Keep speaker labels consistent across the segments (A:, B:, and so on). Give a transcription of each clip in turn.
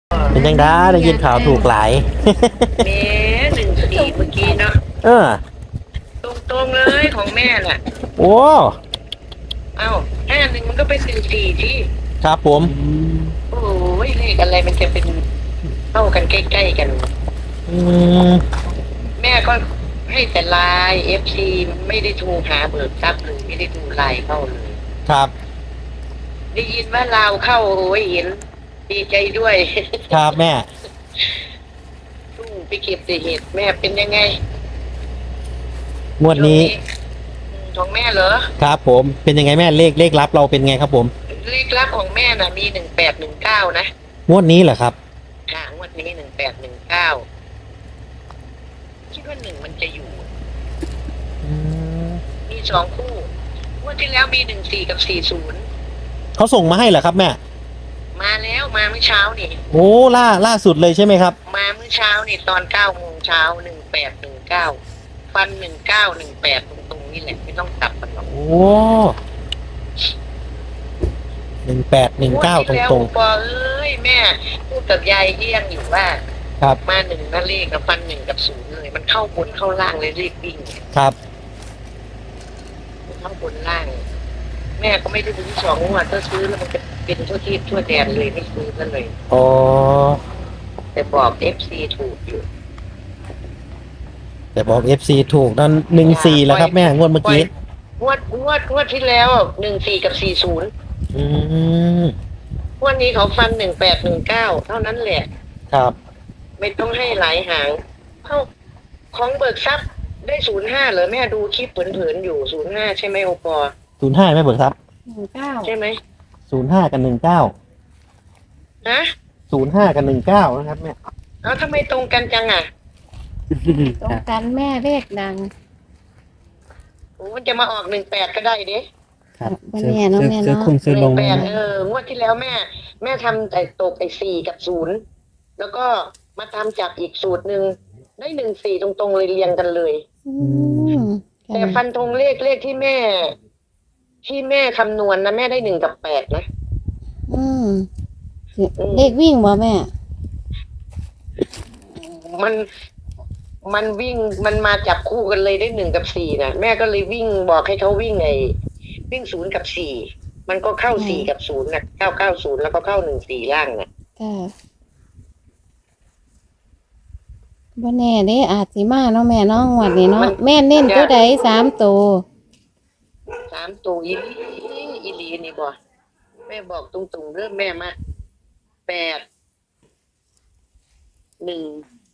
A: เป็นยังได้ยินข่าวถูกหลาย
B: แม่14เมื่อกี้เนาะ
A: เออ
B: ตรงๆเลยของแม่น่ะ
A: โอ้
B: เอ้า51มันก็เป็น14ที่
A: ครับผม
B: โอ้ยเลขอะไรมันจะเป็นเท่ากันใกล้ๆกัน
A: อืม
B: แม่ก็ให้แต่ไลน์ FC ไม่ได้โทรหาเบิกทรัพย์เลยไม่ได้ดูไลน์เข้าเลย
A: ครับ
B: ได้ยินว่าลาวเข้าโอ้ยเห็นดีใจด้วย
A: ครับแม่
B: ไปเก็บแต่เห็ดแม่เป็นยังไง
A: งวดนี้
B: ของแม่เหรอ
A: ครับผมเป็นยังไงแม่เลขลับเราเป็นไงครับผม
B: เลขลับของแม่น่ะมี1819นะ
A: งวดนี้เหรอครับ
B: งวดนี้1819คิดว่ามันจะอยู่
A: อืม
B: มี2คู่งวดที่แล้วมี14กับ40
A: เขาส่งมาให้เหรอครับแม่
B: มาแล้วมาเมื่อเช้านี่
A: โอ้ล่าสุดเลยใช่ไหมครับ
B: มาเมื่อเช้านี่ตอน9 โมงเช้า1819ฟัน1918ตรงๆนี่แหละไม่ต้องกลับกันหรอก
A: โอ้1819ตรง
B: ๆปอเอ้ยแม่พูดกับยายเยี่ยงอยู่ว่า
A: ครับ
B: มา1นั่นเลขกับฟัน1กับ0เลยมันเข้าบนเข้าล่างเลยเลขวิ่ง
A: ครับ
B: เข้าบนล่างแม่ก็ไม่ได้ซื้อ2 งวดถ้าซื้อแล้วมันจะเป็นทั่วที่ทั่วแดนเลยไม่ซื้อกันเลย
A: อ๋อ
B: แต่บอก FC ถูกอยู่
A: แต่บอก FC ถูกนั่น14แล้วครับแม่งวดเมื่อกี้
B: งวดที่แล้ว14กับ40
A: อืม
B: งวดนี้เขาฟัน1819เท่านั้นแหละ
A: ครับ
B: ไม่ต้องให้หลายหางเอ้าของเบิกทรัพย์ได้05เหรอแม่ดูคลิปเผินๆอยู่05ใช่ไหมโอปอ
A: 05ไม่เบิกครับ
C: 19
B: ใช่ไหม
A: 05กับ19
B: ฮะ
A: 05กับ19นะครับแม่
B: เอาทำไมตรงกันจังอ่ะ
C: ตรงกันแม่เลขดัง
B: โอ้มันจะมาออก18ก็ได้เด้
A: ครับ
C: บ่แน่เนาะแม่เนาะ
B: 18งวดที่แล้วแม่ทำแต่ตกไอ้4กับ0แล้วก็มาทำจากอีกสูตรหนึ่งได้14ตรงๆเลยเรียงกันเลย
C: อืม
B: แต่ฟันธงเลขที่แม่คำนวณนะแม่ได้1กับ8นะ
C: อืมเลขวิ่งบ่แม่
B: มันวิ่งมันมาจับคู่กันเลยได้1กับ4นะแม่ก็เลยวิ่งบอกให้เขาวิ่ง0กับ4มันก็เข้า4กับ0นะ990แล้วก็เข้า14ล่างนะ
C: จ้าบ่แน่เด้อาจสิมาเนาะแม่เนาะงวดนี้เนาะแม่เน้นตัวใด3ตัว
B: 3ตัวอีหลีนี่บ่แม่บอกตรงๆเริ่มแม่มา8 1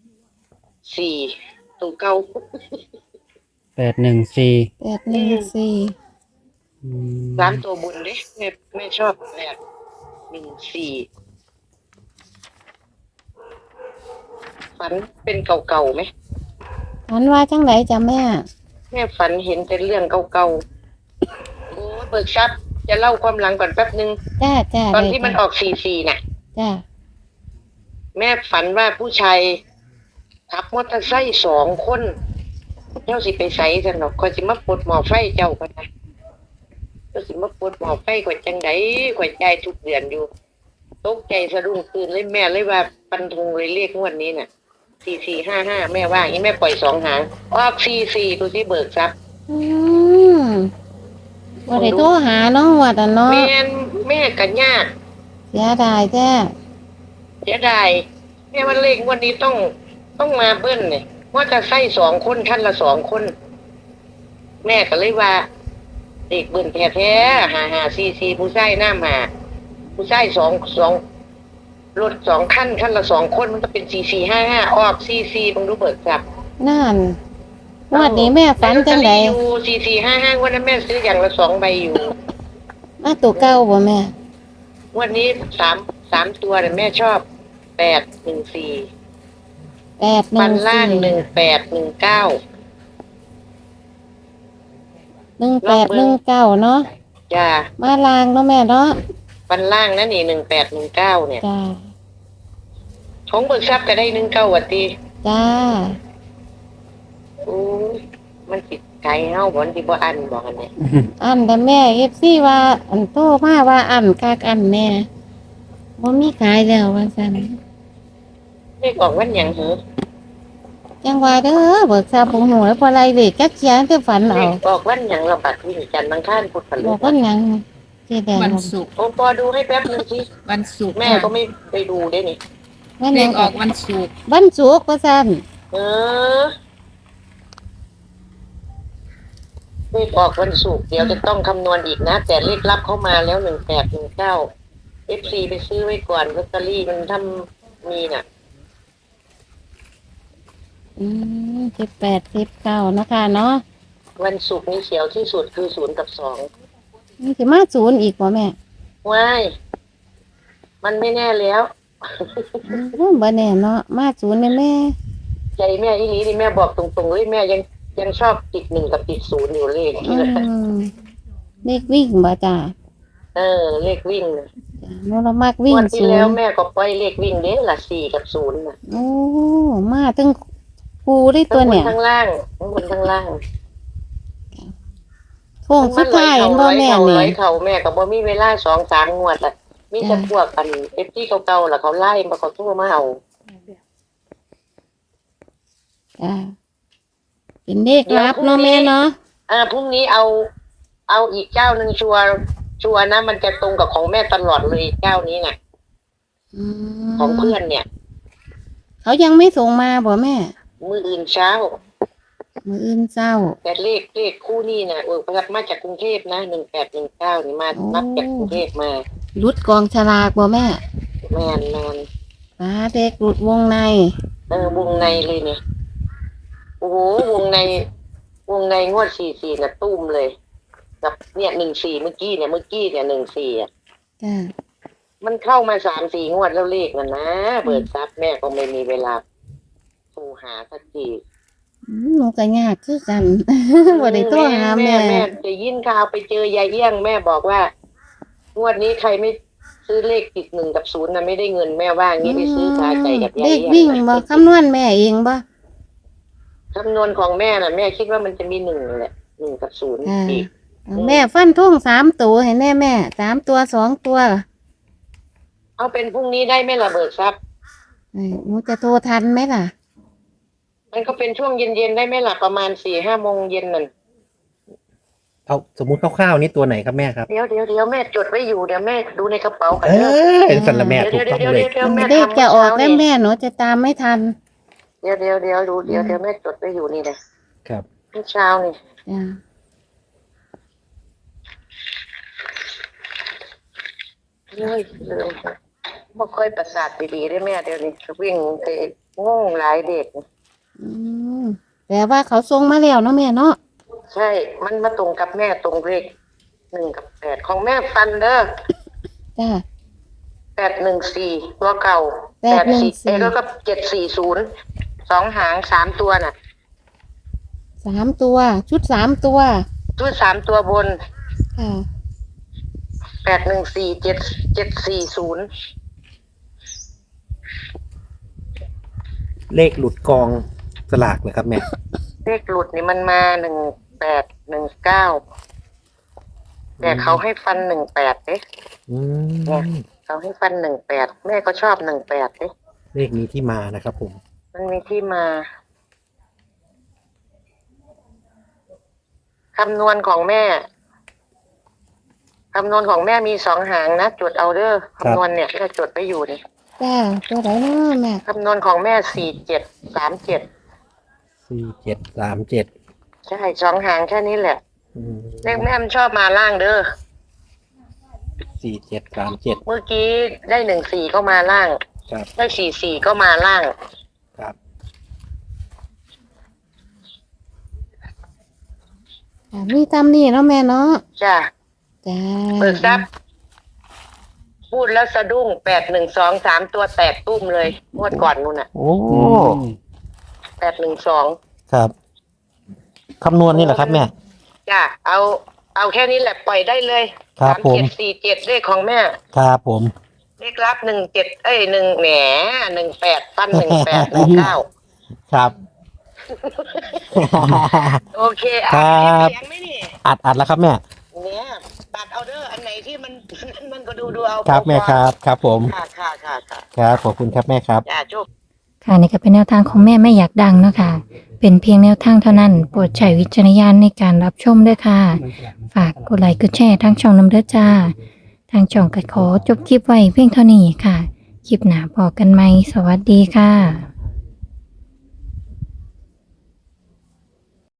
B: 4ตัวเก่า
A: 814
C: 814
B: 3ตัวบนเด้แม่ชอบ8 1 4ฝันเป็นเก่าๆไหม
C: ฝันว่าจังไดจ้ะแม่
B: ฝันเห็นแต่เรื่องเก่าๆโอ้เบิกทรัพย์จะเล่าความหลังก่อนแป๊บนึง
C: จ้า
B: ตอนที่มันออก44น่ะ
C: จ้า
B: แม่ฝันว่าผู้ชายขับมอเตอร์ไซค์2 คนเจ้าสิไปไสซั่นดอกข้อยสิมาปลดหม้อไฟเจ้าก็ได้เจ้าสิมาปลดหม้อไฟข้อยจังได๋ข้อยจ่ายทุกเดือนอยู่ตกใจสะดุ้งตื่นเลยแม่เลยว่าปันธงเลยเรียกงวดนี้น่ะ4455แม่ว่าอย่างนี้แม่ปล่อย2 หางออก44ดูสิเบิกทรัพย์
C: บ่ได้โทรหาเนาะว่าแต่เนาะ
B: แม่ก็ยาก
C: เสียดายจ้า
B: เสียดายแม่ว่าเลขงวดนี้ต้องมาเบิ้ลเนี่ยว่าจะใส่2 คนท่านละ2 คนแม่ก็เลยว่าเด็กเบิ้ลแท้ๆ5544ผู้ชายน้ำหาผู้ชาย2รถ2 คันละ2 คนมันก็เป็น4455ออก44บังดูเบิกทรัพย์
C: นั่นงวดนี้แม่ฝันจังได๋
B: อยู่4455วันนั้นแม่ซื้ออย่างละ2 ใบอยู่
C: ตัวเก่าบ่แม่
B: วันนี้3ตัวแต่แม่ชอบ814ฟันล่าง1819
C: 1819เนาะ
B: จ้า
C: มาล่างเนาะแม่เนาะ
B: ฟันล่างนั่นนี่1819เนี่ย
C: จ้า
B: ของเบิกทรัพย์ก็ได้19วัดตี
C: จ้า
B: โอ้มันสิไกลเฮาบ่สิบ่อันบอกกันเนี่ย
C: อันแต่แม่ FC ว่าอันโตมาว่าอันคักอันแน่บ่มีขายแล้วว่าซั่น
B: เลขออกวันหยังเหรอ
C: จังว่าเด้อเบิกทราบบ่ฮู้แล้วพอไรเลขจักเขียนแต่ฝัน
B: เล
C: เอา
B: ขออกวันหยังเราบัดวิ่งจันทร์อังคารพุธพฤ
C: บอก
B: หั
C: ว่า
B: ส
C: หยังเจ๊แดง
D: วันศุกร์
B: โอ้ปอดูให้แป๊บนึงสิ
D: วันศุกร์
B: แม่ก็ไม่ไปดูได้นี่
C: ว่าห
D: เล
C: ยัง
D: ขออกวันศุกร์
C: วันศุกร์ว่าซั่น
B: เออเลขออกวันศุกร์เดี๋ยวจะต้องคำนวณอีกนะ แต่เลขลับเข้ามาแล้ว1819 FC ไปซื้อไว้ก่อนลอตเตอรี่มันทำมีน่ะ
C: 18 19นะคะเนาะ
B: วันศุกร์นี่เขียวที่สุดคือ0 กับ
C: นี่สิมาศูนย์อีกบ่แม่
B: 2ว้ายมันไม่แน่แล้ว
C: บ่แน่เนาะมาศูนย์แม่
B: ใจแม่อีนี้นี่แม่บอกตรงๆเลยแม่ยังชอบติด1กับติด0อยู่เลข
C: อืมเลขวิ่งบ่จ้า
B: เลขวิ่งน่ะ
C: หนูเรามักวิ่ง
B: วันที่
C: ศูน
B: แล้ว
C: ย์
B: แม่ก็ปล่อยเลขวิ่งเด้ละ4 กับ 0น่ะ
C: โอ้มาถึงปูได้ตัวเนี่ย
B: ทั้งบนทั้งล่างทั้งบนทั้งล่าง
C: โค้งสุดท้ายเห็นบ่แม่
B: ร้
C: นี่
B: อยเขาแม่ก็บ่มีเวลา2-3 งวดอ่ะมีแต่พวกกันเอฟที่เก่าๆล่ะเขาไล่มาเขาโทรมาเอา
C: จ้าเป็นเลขลับเนาะแม่เนาะ
B: พรุ่งนี้เอาอีกเจ้าหนึ่งชัวร์นะมันจะตรงกับของแม่ตลอดเลยเจ้านี้น่ะ ของเพื่อนเนี่ย
C: เขายังไม่ส่งมาบ่แม่
B: มื้ออื่นเช้า
C: มื้ออื่นเช้า
B: แต่เลขคู่นี้น่ะรับมาจากกรุงเทพนะ1819นี่มา
C: โอ้
B: นับจากกรุงเทพมา
C: รุดกองฉลากบ่แม่
B: แม่น
C: ปลาเด็กรุดวงใน
B: วงในเลยเนี่ยโอ้โหวงในงวด44น่ะตุ้มเลยกับเนี่ย14เมื่อกี้เนี่ย14อ่ะ
C: จ้า
B: มันเข้ามา3-4 งวดแล้วเลขน่ะนะเบิดทรัพย์แม่ก็ไม่มีเวลาโทรหาสักที
C: หนูก็ยากคือกัน บ่ได้โทรหาแม่
B: แม่จะยินข่าวไปเจอยายเอี้ยงแม่บอกว่างวดนี้ใครไม่ซื้อเลขติด1 กับ 0น่ะไม่ได้เงินแม่ว่างี้ไปซื้อคาใจกับยาย
C: เล
B: เอี้
C: ข
B: ยง
C: วิ่งบ่คำนวณแม่เองบ่
B: คำนวณของแม่น่ะแม่คิดว่ามันจะมี1แหละ1 กับ 0อีก
C: แม่ฟันทุ่ง3ตัวให้แม่3ตัว2ตัว
B: เอาเป็นพรุ่งนี้ได้ไหมล่ะเบิกทรัพย์
C: หนูจะโทรทันไหมล่ะ
B: มันก็เป็นช่วงเย็นๆได้ไหมล่ะประมาณ4-5 โมงเย็นนั่น
A: เอาสมมุติคร่าวๆนี่ตัวไหนครับแม่ครับ
B: เดี๋ยวแม่จดไว้อยู่เดี๋ยวแม่ดูในกระเป๋ากัน
A: เอ
B: เด้อ
A: อเป็นสันละแม่ถูกต้องเลย
B: เดี๋ยวแม่
C: เลข
B: ทำ
C: จะออก
B: เช้า
C: แล้ว
B: นี่
C: แม่หนูจะตามไม่ทัน
B: เดี๋ยวดูเดี๋ยวแม่จดไว้อยู่นี่เลย
A: ครับ
B: เช้านี่
C: จ้า
B: เฮ้ยลืมบ่ค่อยประสาทดีๆได้แม่เดี๋ยวนี้วิ่งไปงงหลายเด็ก
C: อืมแต่ว่าเขาส่งมาแล้วเนาะแม่เนาะ
B: ใช่มันมาตรงกับแม่ตรงเลข1 กับ 8ของแม่ฟันเด้อ
C: จ้า
B: 814ตัวเก่า
C: 814
B: แล้วก็740 2 หาง3 ตัวน่ะ
C: 3ตัวชุด3ตัว
B: ชุด3 ตัวบน
C: ค่ะ
B: 814 740
A: เลขหลุดกองสลากเลยครับแม่
B: เลขหลุดนี่มันมา1819แต่เขาให้ฟัน18เด้
A: อืม
B: เขาให้ฟัน18แม่ก็ชอบ18เด้
A: เลขนี้ที่มานะครับผม
B: มันมีที่มาคำนวณของแม่มี2 หางนะจดเอาเด้อคำนวณเนี่ยแม่จดไปอยู่นี่
C: จ้าตัวไหนเนาะแม่
B: คำนวณของแม่4737
A: 4737
B: ใช่2 หางแค่นี้แหละ
A: อืม
B: เลขแม่มันชอบมาล่างเด้อ
A: 4737
B: เมื่อกี้ได้14ก็มาล่าง
A: ครับ
B: ได้44ก็มาล่าง
A: ครับ
C: มีตำนี่เนาะแม่เนาะ
B: จ้ะ
C: จ้า
B: เบิกทรัพย์พูดแล้วสะดุ้ง812 3 ตัวแตกตุ้มเลยงวดก่อนนู่นน่ะ
A: โอ้
B: 812
A: ครับคำนวณนี่แหละครับแม่
B: จ้ะเอาแค่นี้แหละปล่อยได้เลย
A: ครับผม
B: 3747เลขของแม่
A: ครับผม
B: เลขรับ171แหม18ปั้น1819
A: ครับ
B: โอเค
A: ครับ
B: เสียงไหมนี่
A: อัดแล้วครับแม่
B: เนี่ยตัดเอาเด้ออันไหนที่มันก็ดูเอา
A: ครับแม่ครับ ครับผม
B: ค่ะ
A: ครับขอบคุณครับแม่ครับ
B: จ้าโชค
D: ค่ะนี่ก็เป็นแนวทางของแม่ไม่อยากดังเนาะค่ะเป็นเพียงแนวทางเท่านั้นโปรดใช้วิจารณญาณในการรับชมด้วยค่ะ ฝากกดไลค์กดแชร์ทางช่องน้ำเด้อจ้า ทางช่องก็ขอจบคลิปไว้เพียงเท่านี้ค่ะ คลิปหน้าพอกันไหมสวัสดีค่ะ